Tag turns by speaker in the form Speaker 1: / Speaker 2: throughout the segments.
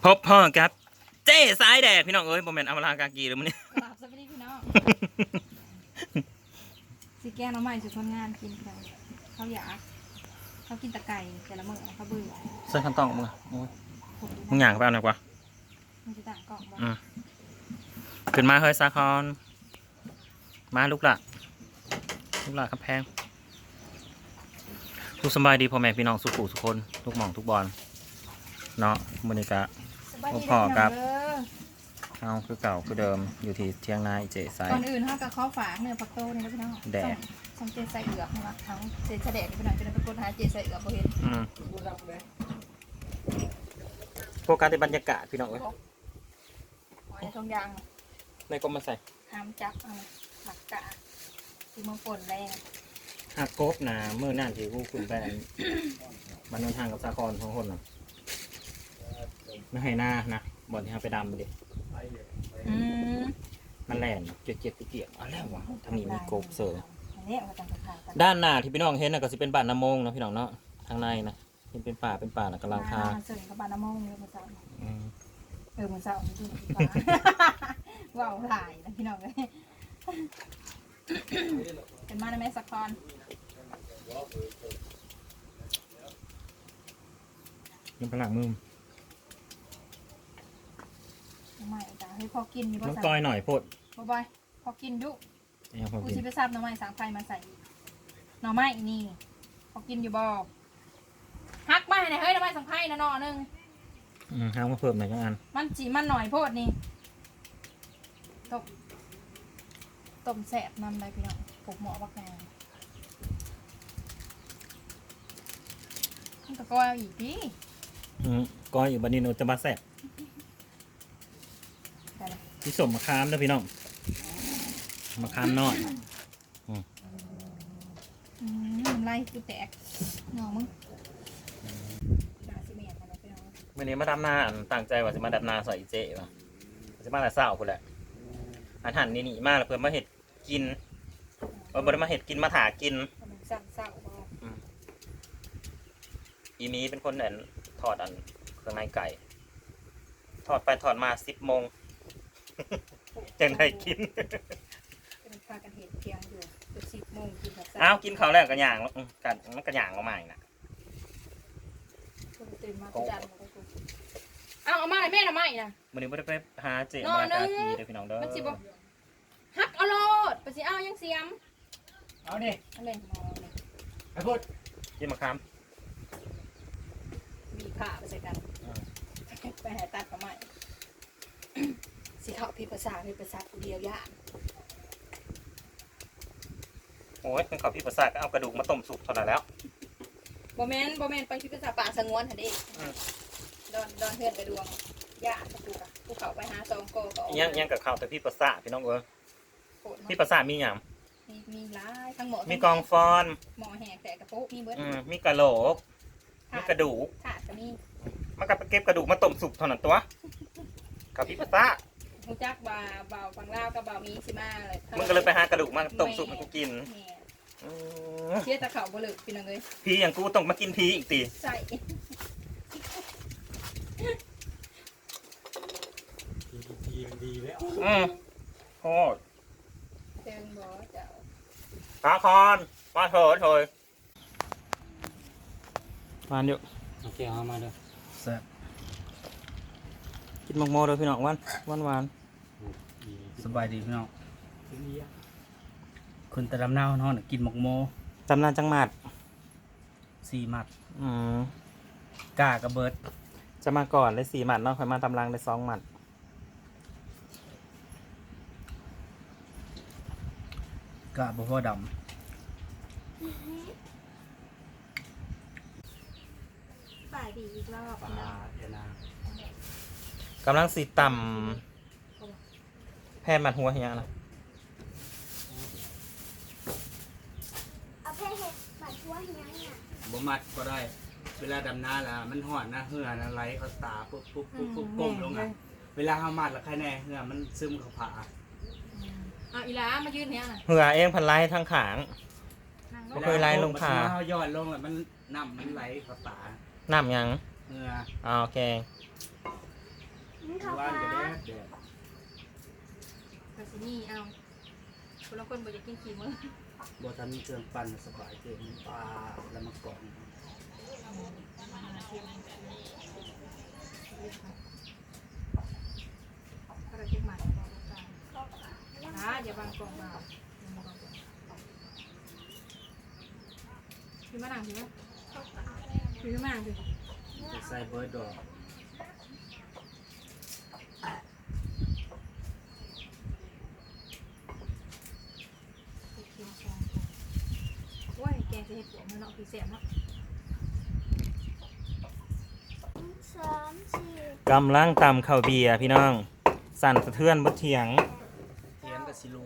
Speaker 1: พบพ่อครับเจ๊สายแดกพี่น้องเอ้ยผมเป็นอมรากากีเลยมั้งเนี่ย
Speaker 2: กราบสวัสดีพี่น้องสิแกงน้ำใหม่สุดคนงานกินกันเขาอยากเขากินตะไก่แต่ละมื้อเขาเบื่อ
Speaker 1: เสื้อขั้นตอนมึงอะโอ้ย
Speaker 2: ผม
Speaker 1: มึงอยากไปเอาหน่อยกว่า
Speaker 2: มันจะต่างกล่องบ่
Speaker 1: ขึ้นมาเฮ้ยสาคอนมาลูกละครับแพงทุกสบายดีพ่อแม่พี่น้องสุขุสุกคนทุกหม่องทุกบอลเนาะบรรยากาศ
Speaker 2: สบายดี
Speaker 1: พ่อครับ
Speaker 2: เด้อ
Speaker 1: เอาคือเก่าคือเดิมอยู่ที่เที่ยงนาเจ๊สาย
Speaker 2: ก่อนอื่นเขากับข้าวฝากเนื้อปักโต้นี่นะพี่น้อง
Speaker 1: แดก
Speaker 2: ส่งเจใส่เอือกนะคะทั้งเจใส่แดกนี่พี่น้องจะได้ไปกดหาเจใส่เอือกบ่เห็น
Speaker 1: โฟกัสในบรรยากาศพี่น้องเอ้ย
Speaker 2: หอยทองยาง
Speaker 1: ในกลมมาใส่
Speaker 2: ห้ามจับเอาหมักกะที่มือป่นแรง
Speaker 1: หักกบนะเมื่อนั่นที่ผู้คุณแบนมันนนทางกับสาคอนท้องคนน่ะไม่ให้หน้านะบอลที่เราไปดำดิ
Speaker 2: อืม
Speaker 1: มันแล่นเจ็บๆเกี่ยงอะไรวะถ้ามีกบเสือ
Speaker 2: อันนี้เอามาทำขายกัน
Speaker 1: ด้านหน้าที่พี่น้องเห็นนะก็จะเป็นบ้านน้ำมงนะพี่น้องเนาะทางในนะเป็นป่านะกำลังคา
Speaker 2: เสริมกับบานน้ำมงเลยมาเสา
Speaker 1: อืม
Speaker 2: มือเสาร์จริงๆว้าวหลายนะพี่น้องเลยเป็นมาในแม่สักคอน
Speaker 1: ยังพลังมือ
Speaker 2: ใหม่จ้ะให้พอกินมีบ่
Speaker 1: น้อง
Speaker 2: สั่
Speaker 1: ก้อยหน่อยโพด
Speaker 2: บ่บอยพอกินดุ
Speaker 1: เนี่ยพอ
Speaker 2: กู
Speaker 1: กิน
Speaker 2: สิไปซับหน่อไม้สางไฟมาใส่อีกหน่อไม้นี่พอกินอยู่บ่ฮักมาให้หน่อยเฮ้ยหน่อไม้สางไฟนะหน่อนึง
Speaker 1: ห้ามมาเพิ่มหน่อยก็อัน
Speaker 2: มันจีมันหน่อยโพดนี่ต้มแสบนำเลยพี่น้องปลูกหมอบักแดงมันก็ก้อยเอาอีกดิ
Speaker 1: ก้อยอยู่บันนี้โนจะมาแซ่บ
Speaker 2: ได้เลย
Speaker 1: ที่สมมะขามนะพี่น้องมะขามน้อย
Speaker 2: ไล่กูแตกหน่อมึงด่าสิเมียกันแล้วพี่น้อง
Speaker 1: วันนี้มาดำนาตั้งใจว่าจะมาดำนาใส่เจ๊ป่ะจะมาแต่เศร้าคุณแหละอาหารนี่มากเลยเพื่อมาเห็ดกินบริมาเห็ดกินมาถากิน
Speaker 2: มันสั่นเศร้าบ่
Speaker 1: อีมีเป็นคนถอดเครื่องในไก่ถอดไปถอดมา10 โมง จังได้กิน
Speaker 2: เป็นพากันเห็ดเพียงอยู่เป็น10 โมงกินแบบ
Speaker 1: อ้าวกินข้าวแล้วกระย่างแล้วกันมันกระย่างออกมาอีกนะ
Speaker 2: คนตื่นมาก็ดันมากูเอามาเลยแม่น่ะไม่นะ
Speaker 1: วันนี้ไม่ได้ไปหาเจ๊
Speaker 2: นอน
Speaker 1: มา
Speaker 2: เด้อ
Speaker 1: กากีเด้อพี่น้องเด้อ
Speaker 2: มันสิบ่ฮักเอาโลดไปสิเอายังเสียม
Speaker 3: เอาดิ
Speaker 2: อะไรมองเลย
Speaker 3: ไอ้พูด
Speaker 1: กินมะขาม
Speaker 2: บีผ้าไปใส่กันไปหาตัดกับใหม่สิเขาพี่ภาษากูเดียวยาก
Speaker 1: โอ้ยเป็นข้าวพี่ประสาทก็เอากระดูกมาต้มสุกเท่านั้นแล้ว
Speaker 2: บ่แม่นไปพี่ภาษาป่าสงวนหั่นเด้ดอนเฮือนไปดวงยากกับกูกะกูเขาไปหาซองโกก็ออก
Speaker 1: ยังกับข้าวแต่พี่ประสาทพี่น้องเอ้ย
Speaker 2: โคตร
Speaker 1: พี่ประสาทมีอย่าง
Speaker 2: มีหลายทั้งหมด
Speaker 1: มีกองฟอน
Speaker 2: หมอแหกแต่กระปุกมีเบิด
Speaker 1: มีกระโหลกมีกระดูก
Speaker 2: ขาดก็มี
Speaker 1: มันก็ไปเก็บกระดูกมาต้มสุกเท่านั้นตัวกับพี่ประสาท
Speaker 2: ฮู้จักว่าเบาฝั่งลาวกับเบามีสิมาเลย
Speaker 1: มึงก็เลยไปหากระดูกมาต้มสุกให้กูกิน
Speaker 2: แหม่
Speaker 1: อืม
Speaker 2: เชี่ยตะเขาบ่เลิกพี่น้องเอ้ย
Speaker 1: พี่อย่างกูต้องมากินพีอีกตี
Speaker 2: ใส่
Speaker 3: ดีมันดีแล้ว
Speaker 1: โคตร
Speaker 2: เติงบ่เจ้า
Speaker 1: สาคอนมาเถิดเถยมาเดี๋ยว
Speaker 3: โอเคเอามาเด้อ
Speaker 1: แซ่บกินหมกโมเด้อพี่น้องหวาน
Speaker 3: สบายดีพี่น้องคนแต่ลำนาวเนาะกินหมกโม
Speaker 1: จำนานจังหมัด
Speaker 3: 4 มัด
Speaker 1: ก
Speaker 3: ล้ากระเบิด
Speaker 1: จะมาก่อนได้4 หมัดเนาะค่อยมาตำลังได้2 หมัด
Speaker 3: กล้าบ่พอด
Speaker 2: ฝ่ายดีอีกรอบ
Speaker 3: ำปลาเดี๋ยวนะ
Speaker 1: กำลังสีต่ำแพนมัดหัวเฮียนะ
Speaker 4: เอาแค่เห็ดบัดทั่วเฮียเนี่ย
Speaker 3: บ่มัดก็ได้ เวลาดำน้าละมันห่อนนะเหือนะไหลเข้าตาปุ๊บก้มลงอ่ะเวลาเฮามัดละใครแน่เหือมันซึมเข้าผา
Speaker 2: เอาอีหลามายืนเนี่ยน่ะ
Speaker 1: เหือเองพันไล่ทั้งขาง
Speaker 2: นั่งล
Speaker 1: บ่
Speaker 2: ง
Speaker 1: เคยไล่ลงผา
Speaker 3: เฮาย้อนลงแล้วมันน้ำมันไหลเข้าตา
Speaker 1: น้ำยัง
Speaker 3: เหือ
Speaker 1: โอเค
Speaker 4: ข้าว
Speaker 3: ว่านก็
Speaker 4: ปลา
Speaker 3: แดด
Speaker 2: ก็สินี่เอาคนละคนบ่อยากกินขี้มือ
Speaker 3: บ่ทันมีเครื่องปั่นสบายเกินปลาแล้วมากรอง
Speaker 2: ก็เราเช็คใหม่บอกกันนะอย่าบังกล่องมาพี่มานั่งสิมั้ยพี่มานั่งสิ
Speaker 3: ใส่เบิร์ดดอก
Speaker 2: โอ้ยแกงจะเห็ดหัวมันเนาะพี่แสบเนาะ
Speaker 4: 3 4
Speaker 1: กำลังตำข้าวเบียร์พี่น้อง สั่นสะเทือนบดเถียง
Speaker 3: เทียนกับซิลู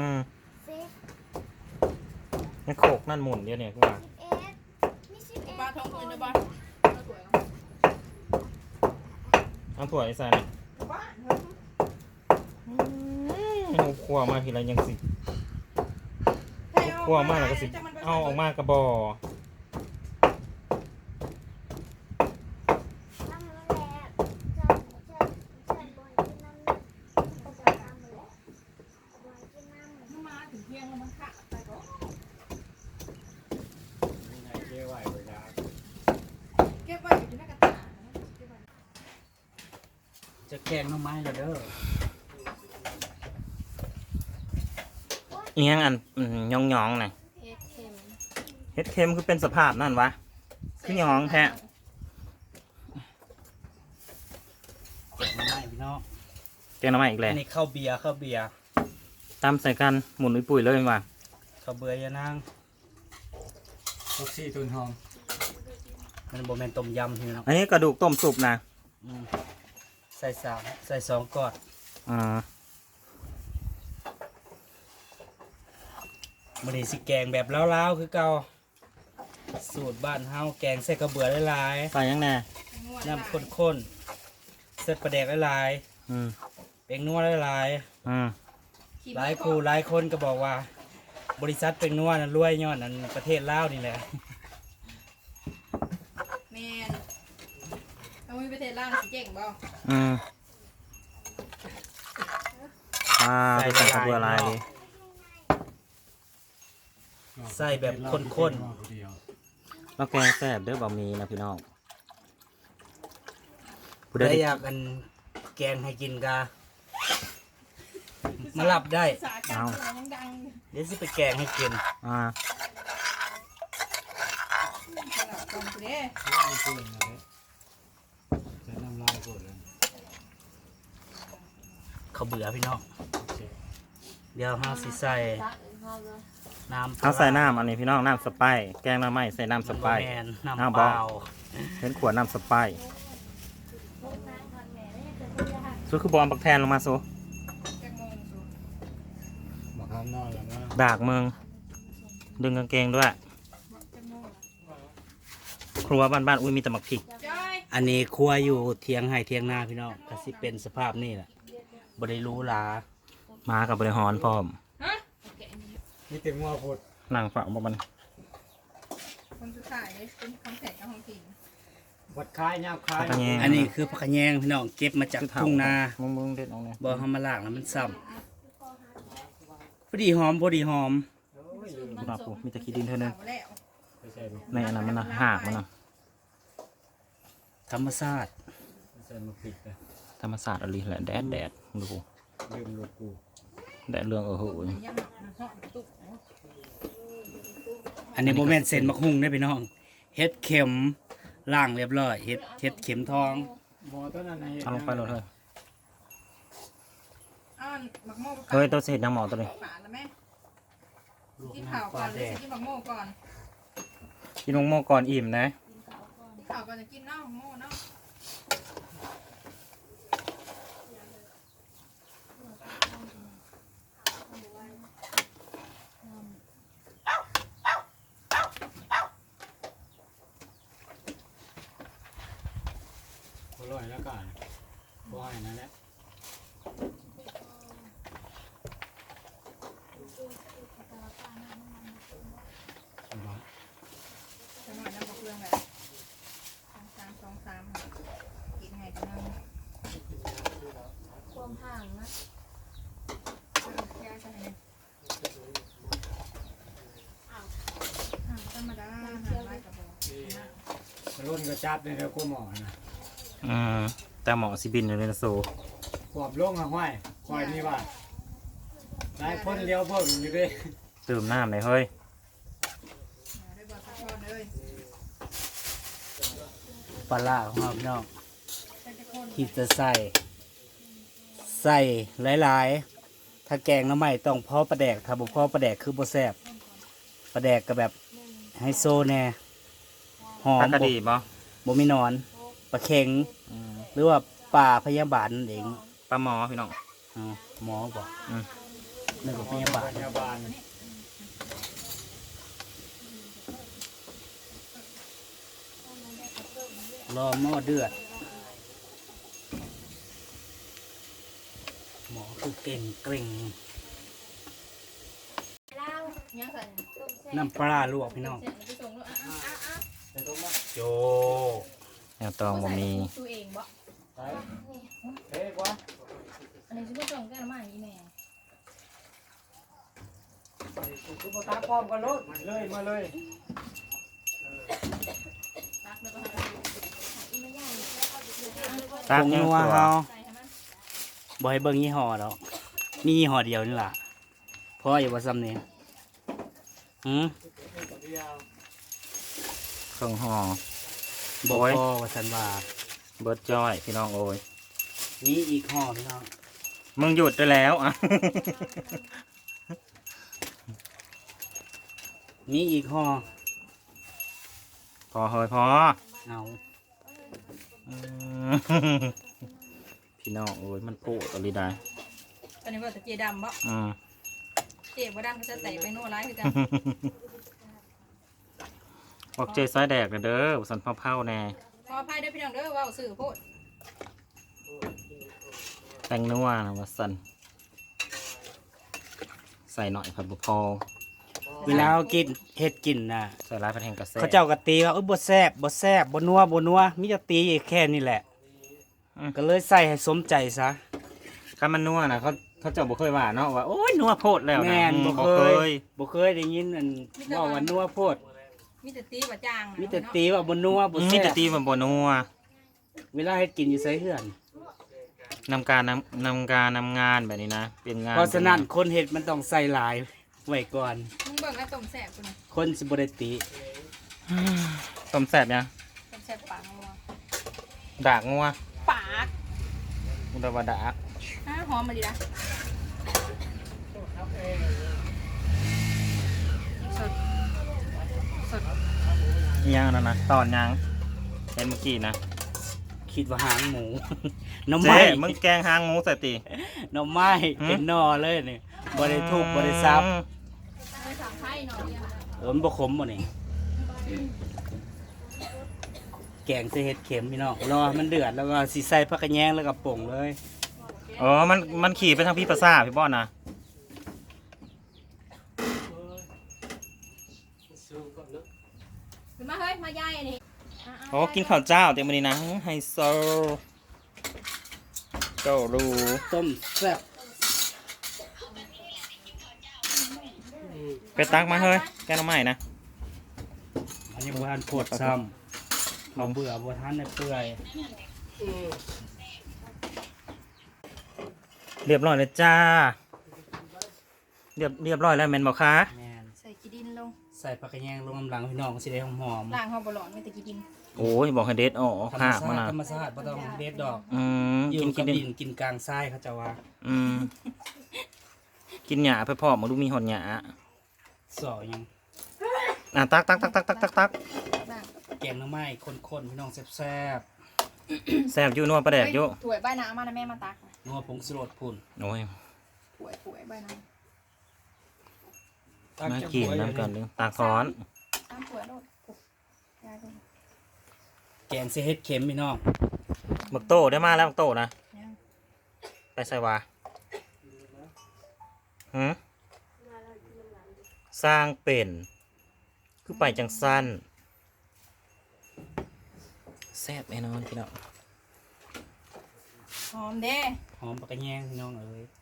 Speaker 4: 10
Speaker 1: นี่โขกนั่นหมุนเดียวเนี่ยกูว่า
Speaker 4: 11มี11
Speaker 2: บ้าท้องคุณจะบ้า
Speaker 1: เอาถั่วไอ้สันเอาคั่วมาทีไรยังสิคั่วมากแล้วก็สิเอาออกมากระบอ
Speaker 4: น้ำมันแหละจะบ่อยกินน้ำจะน้ำแหละบ่อยกินน้ำ
Speaker 2: มาถึงเที่ยงแล้วมันขาดไปก็
Speaker 3: ยังไงเจ๊ไหวเวลา
Speaker 2: เก็บไว้อยู่ที่หน้ากระตา
Speaker 3: จะแกงหน่อไม้แล้วเด้อ
Speaker 1: เอียงอันยองๆน่ะ
Speaker 2: เฮ็ดเค็ม
Speaker 1: เฮ็ดเค็มคือเป็นสภาพนั่นวะ คือยองแท้
Speaker 3: แกงหน่อไม้พี่น้อง
Speaker 1: แกงหน้ำมันอีกแห
Speaker 3: อั
Speaker 1: ละ
Speaker 3: นนี้ข้าวเบียร์ข้าวเบียร์
Speaker 1: ตำใส่กันหมุนปุยๆเลยว่ะ
Speaker 3: ข้าวเบือยานางลูกซี่ตุนหอมมันโบแมนต้มยำพี่น้อง
Speaker 1: อันนี้กระดูกต้มสุปนะ
Speaker 3: ใส่สองกอด
Speaker 1: อ่า
Speaker 3: มันนี่สิแกงแบบล้าวๆคือเก่าสูตรบ้านเฮาแกงใส่กระเบือหลาย
Speaker 1: ใส่ยังแน่
Speaker 3: ๆน้ำข้นๆเส้นปลาแดกหลาย
Speaker 1: อืม
Speaker 3: ๆเป็งนัวหลาย
Speaker 1: อืม
Speaker 3: ๆหลายคู่หลายคนก็บอกว่า บริษัทเป็งนัวนั้นรวยยอดนั้นประเทศลาวนี่แหละ
Speaker 2: แมนเอาไว้ประเทศลาวสิเจ๋งบ่
Speaker 1: อืมไปใส่กระเบือลายดิ
Speaker 3: ใส่แบบข้น
Speaker 1: แล้วแกงแซ่บเด้อบะหมี่นะพี่น้อง
Speaker 3: ๆ
Speaker 1: ผู้ใด
Speaker 3: ได้
Speaker 1: ได้
Speaker 3: อยากกันแกงให้กินกามาหลับได้
Speaker 2: สาการยังดัง
Speaker 3: เดี๋ยวสิไปแกงให้กิน
Speaker 1: อ่า
Speaker 2: สลับกันเด้
Speaker 3: เขาวเบื่อพี่น้อง เดี๋ยวเราสิใส่น้ำ
Speaker 1: เอาใส่น้ำอันนี้พี่น้องน้ำสไปซ์แกงหน้ำไม้ใส่น้ำสไปซ์
Speaker 3: แมน
Speaker 1: น้ำ
Speaker 3: น้ำ
Speaker 1: เป
Speaker 3: เป
Speaker 1: ล่า
Speaker 3: ล่า
Speaker 1: เห็นขวดน้ำสไปซ์สู้คือบอลปักแทนลงมาสู้
Speaker 2: จักโมงสู
Speaker 3: บอกข้างนอกแล้วนะ
Speaker 1: ดากเมือง ดึงกางเกงด้วย
Speaker 2: จักโมง
Speaker 1: ครัวบ้านๆอุ้ยมีแต่หมักผิก
Speaker 2: จ้อย
Speaker 3: อันนี้ครัวอยู่เทียงให้เทียงหน้าพี่น้องก็สิเป็นสภาพนี่แหละบริรู้ลา
Speaker 1: มากับบริหารพร้อม
Speaker 2: ฮะโอเคอันนี้
Speaker 3: นี่เต็มหัวพด
Speaker 1: นั่งฝังบ่มัน
Speaker 2: คนสุดท้ายเป็นคำแสนกับของกิน
Speaker 3: วัดคายยาวคาย
Speaker 1: ผักกระแยง
Speaker 3: อันนี้คือผักกระแยงพี่น้องเก็บมาจากทุ่งนา
Speaker 1: มึงเด็ดเอาเนี่ย
Speaker 3: บ่ทำมาล่างแล้วมันซ้ำพอดีหอมพอดีหอม
Speaker 1: ดอกกูมีแต่ขี้ดินเท่านั้น
Speaker 2: เอาแล้ว
Speaker 1: ในอันนั้นมันนะหากมันนะ
Speaker 3: ธรรมชาติ
Speaker 1: ธรรมศาสตร์อะไรแหละแดดดู
Speaker 3: ลืมลูกกู
Speaker 1: แดดเรื่องโห
Speaker 2: ย่างหอมตุ๊ก
Speaker 3: อันนี้โมเมนต์เซนมะฮุ่งได้อพี่น้องเฮ็ดเข็มล่างเรียบร้อยเฮ็ดเข็มทอง
Speaker 1: เอาลงไปเลยเถอะ
Speaker 2: อ้าวหมักโม่
Speaker 1: เฮ้ยตัวเศษยังหมอตัวนี้
Speaker 2: ฝาแล้วแม่กินข้าวก่อนหรือจะกินหมักโม่ก่อน
Speaker 1: กินนมโมก่อนอิ่มนะ
Speaker 2: กินข้าวก่อนจะกินเนาะหมักโม่เนาะ
Speaker 3: อร่อยแล้วก่อนบ่อยนั่นแหละ
Speaker 2: จะหน่อยน้ำกับเพื่อนแบบสองสามกินไงกันเนาะ
Speaker 4: มห่างนะ
Speaker 2: ยาใช่ไหมธรรมดาหาไว้กับบ่
Speaker 5: รุ่นก็จับในเรื่องกูหมอนะ
Speaker 1: แต่หมอสิบินอยู่ในโซ
Speaker 5: ขวบลงอะห้อยคอยนี่ว่าหลายคนเลี้ยวเพิ่งอยู่ดิ
Speaker 1: ตื่มน้ำเลยเฮ้ย
Speaker 2: ได้บ่ซักทอดเลย
Speaker 3: ปลาร้าของเราพี่น้อง
Speaker 2: ใส่ตะโกน
Speaker 3: ที่จะใส่หลายๆถ้าแกงหน้ำใหม่ต้องพอปลาแดกถ้าบ่พอปลาแดกคือบ่แซ่บปลาแดกก็แบบไฮโซแน่หอ
Speaker 1: ป
Speaker 3: ม
Speaker 1: ลากระดีบ่
Speaker 3: บ่มีหนอนปลาเค็งหรือว่าปลาพยาบาลนั่นเอง
Speaker 1: ปลาหมอพี่น้อง
Speaker 3: อ๋อหมอบอก
Speaker 1: อืม
Speaker 3: นึกว่าพยาบาล
Speaker 5: พยาบาล
Speaker 3: รอหม้อเดือดหมอคือเก่งเกร็ง
Speaker 4: เล่า
Speaker 2: ยังใส่
Speaker 4: ต้มแซ่บ
Speaker 3: น้ำปลาลวกพี่น้อง
Speaker 2: เสร็จแล้วไปส่งลูกอ่ะ
Speaker 3: โจ
Speaker 1: แนวตองบ่มี
Speaker 2: ตัวเองบ่
Speaker 5: ไปเฮ้ยกว่า
Speaker 2: อันนี้ชื่อว่าส่งแก้วมาอีแม่
Speaker 5: คือพอตาพร้อมกันรถมาเลย
Speaker 2: ตักแล้วก็
Speaker 4: อีไม่ใหญ่
Speaker 1: ตาก
Speaker 3: ผง
Speaker 1: ยัง
Speaker 3: นัว
Speaker 1: ตัว
Speaker 3: เฮา
Speaker 2: ใส่ให้มัน
Speaker 3: บ่ให้เบิ่งยี่ห้อดอกมียี่ห้อเดียวนี่ล่ะเพราะอยู่ว่าซ้ำนี่หืม
Speaker 1: เครื่องห่อ
Speaker 3: บ่
Speaker 1: โอ้ย
Speaker 3: พอว่าฉันว่า
Speaker 1: เบิร์ดจ้อยพี่น้องโอ้ย
Speaker 3: มีอีกห่อพี่น้อง
Speaker 1: มึงหยุดได้แล้วอ่ะ
Speaker 3: มีอีกห่อ
Speaker 1: พอเฮ้ยพอ
Speaker 3: เอา
Speaker 1: อืม พี่น้องโอ้ยมันโผล่ตอลีได้
Speaker 2: ตอนนี้ว่าตะเกียดำบ่
Speaker 1: อืม
Speaker 2: เจ็บว่าดำก็จะแตกไปโน่ร้ายคือกัน
Speaker 1: บอกเจซ้ายแดกเด้อสันเผาๆแน่
Speaker 2: ขออภัยด้วยพี่น้องเด้อว่าสื่อโพด
Speaker 1: แตงนัวนะว่าสันใส่หน่อยผัดบุพอ
Speaker 3: เวลาเรากินเฮ็ดกินน่ะ
Speaker 1: ใส่ร้ายผัดแห้งกระเซ็
Speaker 3: เขาเจ้ากะตีว่าเอ้ยบ่แซ่บบ่แซ่บบ่นัวบ่นัวมีจะตีแค่นี้แหละ ก็เลยใส่ให้สมใจซะ
Speaker 1: ข้ามันนัวนะเขาเจ้าบ่เคยว่าเนาะว่าโอ้ยนัวโพดแล้วนะ
Speaker 3: แม่น
Speaker 1: อื
Speaker 3: บ่
Speaker 1: บ่
Speaker 3: เค
Speaker 1: เค
Speaker 3: ย
Speaker 1: ย
Speaker 3: บ่เคยได้ยินอันว่านัวโพด
Speaker 2: มีแต่ตีว่าจาง
Speaker 3: มีแต่ตีว่าบ่นัวบ่
Speaker 1: มี
Speaker 3: แซ่
Speaker 1: แต่
Speaker 3: บ
Speaker 1: ตีมันบ่นัว
Speaker 3: เวลาเฮ็ดกินอยู่ไสเฮือน
Speaker 1: นำการนำงานแบบนี้นะเป็นงาน
Speaker 3: เพราะฉะนั้นคนเฮ็ดมันต้องใส่หลายไว้ก่อน
Speaker 2: มึงเบิ่งแล้วต้มแซ่บกูนะ
Speaker 3: คนสิบ่ได้ติ
Speaker 1: ต้มแซ่บยัง
Speaker 2: ต้มแซ่บปากงัว
Speaker 1: ดากงัว
Speaker 2: ปาก
Speaker 1: อุตวาดาก
Speaker 2: หอมมาดีนะสดสด
Speaker 1: อิหยังนั่นนะตอนยังเห็นเมื่อกี้นะ
Speaker 3: คิดว่าหางหมู หน้ำ
Speaker 1: เจ๊
Speaker 3: ไม้
Speaker 1: มึงแกงหางหมูใส่ติ
Speaker 3: หน้ำไม้เป็นหนอเลยนี่บ่ได้ทุบบ่ได้ซับ
Speaker 2: ไปสั่งไข่หน่อยเนี่ย
Speaker 3: มันบ่ขมบ่นี่แกงใส่เห็ดเข็มพี่น้องรอให้มันเดือดแล้วก็สิใส่ผักกระแยงแล้วก็ป่งเลย
Speaker 1: อ๋อมันขี่ไปทางพี่ประสาพี่บอนนะ
Speaker 2: ขึ้นมาเฮ้ยมาย่ายอันนี้
Speaker 1: โอ้กินข้าวเจ้าเต็มวันนี้นะไฮโซเจ้ารู้
Speaker 3: ต้มแซ่บ
Speaker 1: ไปตักมาเฮ้ยแกงหน้ำใหม่นะ
Speaker 3: อันนี้บ่ทันโพดซ้ำเราเบื่อบ่ทันได้เปื่อย
Speaker 1: เรียบร้อยเลยจ้าเรียบร้อยแล้วแมนบอกคะ
Speaker 3: แม่น
Speaker 2: ใส่กีดินลง
Speaker 3: ใส่ผักกระแยงลงน้ำหลังพี่น้องสิได้หอม
Speaker 2: ล้างหอมบอลอนไม่แต่กีดิน
Speaker 1: โอ้ยบอกให้เด็ดอ๋อ
Speaker 3: ๆธรรม
Speaker 1: ค่ะ
Speaker 3: ชา
Speaker 1: มา
Speaker 3: ติ
Speaker 1: นะ
Speaker 3: ธรรมชาติบ่ต้องเด็ดดอก
Speaker 1: อืม
Speaker 3: อยู่
Speaker 1: กิน
Speaker 3: กับ
Speaker 1: ดิ
Speaker 3: ดินกินกลางทรายเขาจะว่า
Speaker 1: อืมกินหยาไปพ่อมาดูมีหอนหยา
Speaker 3: สอยัง
Speaker 1: ตัก
Speaker 2: ล้าง
Speaker 3: แกงหน้ำไม้ข้นๆพี่น้องแซ่บ
Speaker 1: แซ่บอยู่นัวประแดกอยู่
Speaker 2: ถ้วยใบน้ำมานะแม่มาตัก
Speaker 3: ๆนัวผงสรดพุ่น
Speaker 1: โอ้ย
Speaker 2: ถ้วยใบน้
Speaker 1: มากินน้ำกันนึงตากซ้อน
Speaker 2: ำน้ำถ้วยโดดยายดู
Speaker 3: แกงใส่เห็ดเข็มพี่น้อง
Speaker 1: บักโตได้มาแล้วบักโตนะ
Speaker 2: ยัง
Speaker 1: ไปใส่วาหืมสร้างเป็นคือไปจังสั้นแซ่บแน่นอนพี่น้อง
Speaker 2: หอมเด้
Speaker 3: หอมปากกระแยงพี่น้องเอ้ย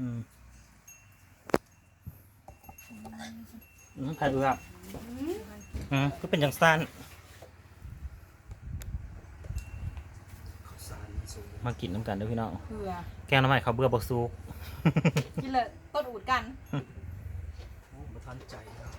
Speaker 1: ผัดเอือกก็เป็นจังสั้นมากินน้ำกันเด้วยพี่น้อง
Speaker 2: เผื่อ
Speaker 1: แกงน้ำใหม่เขาวเบื่อบักซุก
Speaker 2: กินเลยต้นอูดกัน
Speaker 3: บ่ทันใจ